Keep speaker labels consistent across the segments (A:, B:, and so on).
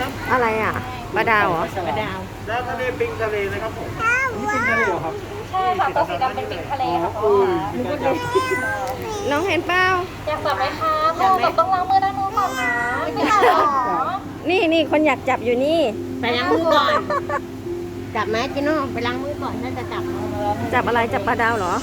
A: นะครับ
B: อะไรอ่ะปลาดาวเหรอ
C: ปลาดาว
A: แล้วทะเลปิงทะเลนะครับผมนี่ปิงทะเลเหรอครับ
D: ใช่ค่ะตัวสีดำเป็นปิงทะเลค่ะพ่อ
A: มีการจับ
B: น้องเห็นเปล่า
D: อยากจับไหมคะพ่อแบบต้องล้างมือด้านนู้นก่อนนะไม่ได้หรอ
B: นี่คนอยากจับอยู่นี่
C: ไปล้างมือก่อน จับไหมจิโน่ไปล้างมือก่อนน่าจะจับ
B: จับอะไรจับปลาดาวเหรอ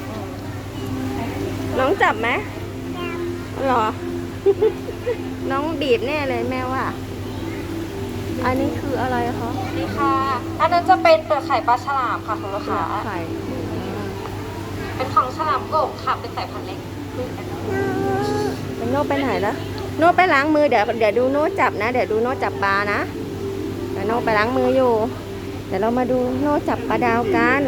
B: น้องจับไหมเหรอ น้องบีบแน่เลยแม่ว่า อันนี้คืออะไรคะ
D: นี่ค่ะ อันนั้นจะเป็นเปลือกไข่ปลาฉลามค่ะคุณลูกค้า
B: ไข่
D: เป็นของฉลามโกบค่ะเป็นสายพันธุ์เล็ก
B: โน่ไปไหนแล้วโน่ไปล้างมือเดี๋ยวดูโน่จับนะ เดี๋ยวดูโน่จับปลานะเดี๋ยวโน่ไปล้างมืออยู่ เดี๋ยวเรามาดูโน่จับปลาดาวกัน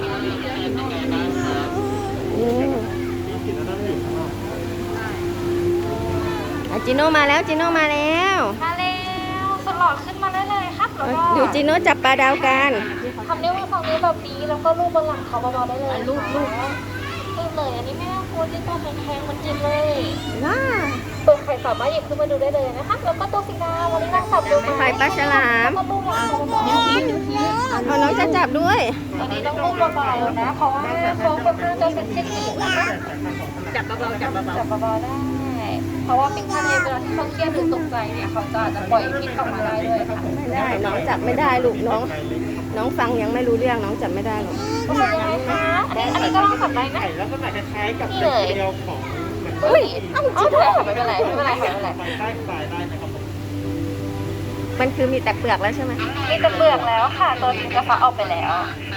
B: จิโน่มาแล้วจิโน่มาแล้ว
D: มาแล้วสลอดขึ้นมาได้เลยครับแล้วก็
B: ดูจิโน่จับปลาดาวกัน
D: ทำนิ้วมือฝั่งนี้แบบนี้แล้วก็ลูบบนหลังเขาเบาๆได้เลยลูบเลยอันนี้ไม่ต้องกลัวที่ตัวแข็งๆมันจิ้มเลย
B: ว้า
D: เปลือกไข่สามารถหยิบขึ้นมาดูได้เลยนะคะแล้วก็ตัวสีดำวันนี้นั่งจับดู
B: ไข่ปลาฉลาม
D: แล้วก็ลูบหลังเขาเบาๆ
B: เอาน้องจะจับด้วย
D: ตอนนี้ต้องลูบเบาๆนะเพราะว่าเขาค่อนข้างจะเซนซิทีฟนะคะ
C: จับเบาๆจับเบา
D: จับเบาๆได้ เพราะว่าปิงทะเลเวลาที่เขาเครียดหรือตกใจเนี่ยเขาจะอาจจะปล่อยพิษออกมาได้เลยค่ะ
B: ไม่ได้น้องจับไม่ได้ลูกน้องฟังยังไม่รู้เรื่องน้องจับไม่ได้หรอก
D: ก็เป็นยังไงคะอันนี้ก็ลองจับได้นะ
A: ไข่ลักษณะคล้ายๆกับเด็กเดียวของเหมือน
D: อุ้ยเอาเถอะค่ะไม่เป็นไรค่ะ
A: ใต้ปลายได้นะครับผม
B: มันคือมีแต่เปลือกแล้วใช่ไหม
D: มีแต่เปลือกแล้วค่ะ ตัวนี้จะฟักออกไปแล้ว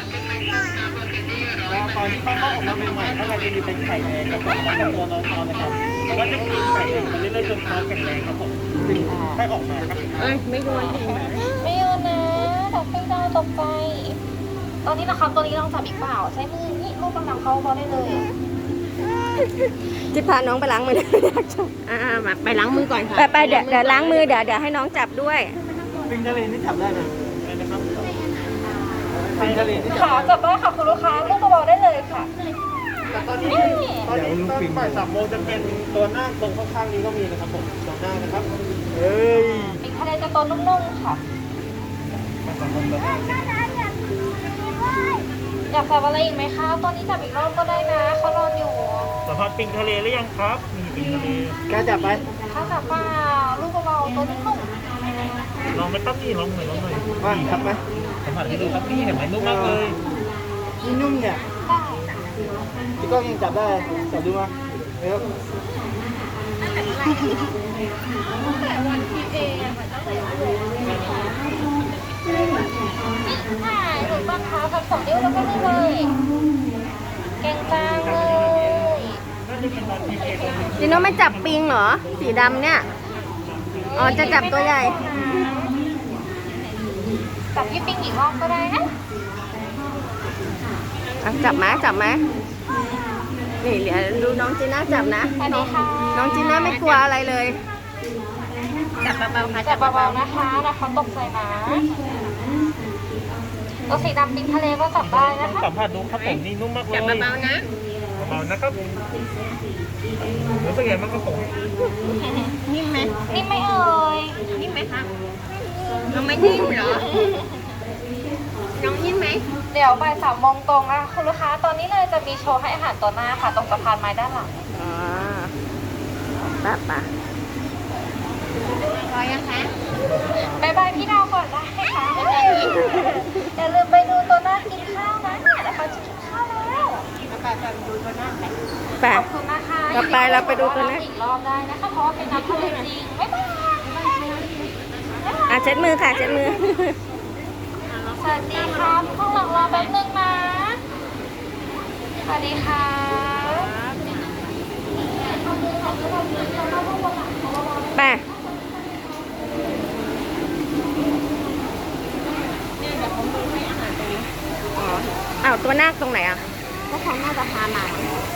A: แล้วตอนที่เขาออกมาใหม่ๆข้างในจะมีเป็นไข่แดงกับผมแล้วก็ตัวน้องๆนะครับแต่ว่าจะกินไข่แดงมันเรื่อยๆจนเขาแข็งแรงครับผมถึงให้ออกมาครับ
C: ๆเอ้ยไม่โดน
D: ไม่เอานะแต่ให้เราตกใจ ตอนนี้นะครับตัวนี้ลองจับอีกเปล่า ใช้มือนี่ลูกกำลังเขาพอได้เลย
B: จิพาน้องไปล้างมือ
C: มาไปล้างมือก่อนค่ะ
B: ไปเดี๋ยวล้างมือเดี๋ยวให้น้องจับด้วย
A: ปิงทะเลนี่จับได้ไหมได้นะครับปิงทะเลนี่จับ
D: ขาจับได้ค่ะคุณลูกค้าลูกเบาๆได้เลยค่ะ
A: แต่ตอนนี้ตอนบ่าย3 โมงจะเป็นตัวหน้าตรงข้างๆนี้ก็มีนะครับผมตัวหน้านะครับเฮ้ย
D: ปิงทะเลจะตัวนุ่มๆค่ะ อยากจับอะไรอีกไหมคะ ตัวนี้จับอีกรอบก็ได้นะเขานอนอยู่
A: สัมผัสปิงทะเลหรือยังครับมีปิงทะเลกล้าจับไหม
D: ถ้าจับเปล่าลูกเบาๆตัวนุ่ม
A: ลองไปตั้งนี่ลองหน่อยว่าจับไหมสัมผัสให้ดูครับนี่เห็นไหมนุ่มมากเลยนี่นุ่มเนี่ย
D: ๆได้
A: พี่ก้องยังจับได้จับดูมาเร็ว
D: ถ่ายถูกต้องค่ะพักสองนิ้วแล้วก็นี่เลยเก่งจังเลย
B: จิโน่ไม่จับปิงเหรอ สีดำเนี่ย อ๋อจะจับตัวใหญ่
D: จับพี่ปิงอีกรอบก็ได้นะ
B: อ่ะจับไหมนี่เดี๋ยวดูน้องจีน่าจับนะ
D: ไปไหนคะ
B: น้องจีน่าไม่กลัวอะไรเลย
C: จับเบาๆค่ะ
D: จับเบาๆนะคะแล้วเขาตกใจนะตัวสีดำปิงทะเลก็จับได้นะคะ
A: สัมผัสดูครับผมนี่นุ่มมากเลย
C: จับเบาๆนะ
A: เบาๆนะครับรู้สึกไงบ้างครับผม
C: นิ่มไหม
D: นี่ไม่เอ่ย
C: นิ่มไหมคะน้องไม่นิ่มเหรอน้องนิ่มไหม
D: เดี๋ยวบ่าย3 โมงตรงนะคุณลูกค้าตอนนี้เลยจะมีโชว์ให้อาหารตัวหน้าค่ะตรงสะพานไม้ด้านหลัง
B: อ๋อป้า
C: พอยังคะ
D: บายบายพี่ดาวก่อนได้ค่ะอย่าลืมไปดูตัวหน้ากินข้าวนะเดี๋ยวเขาจะกินข้าวแล้ว
C: ไปดูตัวหน้าไป
B: ไป
D: ขอบคุณนะคะ
B: ต่อไปเราไปดูตัวหน้า
D: อีกรอบได้นะคะเพราะว่าเป็นน้ำทะเลจริงบ๊ายบาย
B: อ่ะเช็ดมือค่ะเช็ดมือ
D: สวัสดีครับข้างหลังรอแป๊บนึงนะสวัสดีค่ะ
B: ไป
C: เนี่ยเดี๋ยวผมดูให้อาหารตรงนี้
B: อ๋ออ้าวตัวนาคตรงไหนอ่ะ
C: ก็เขาน่าจะพามา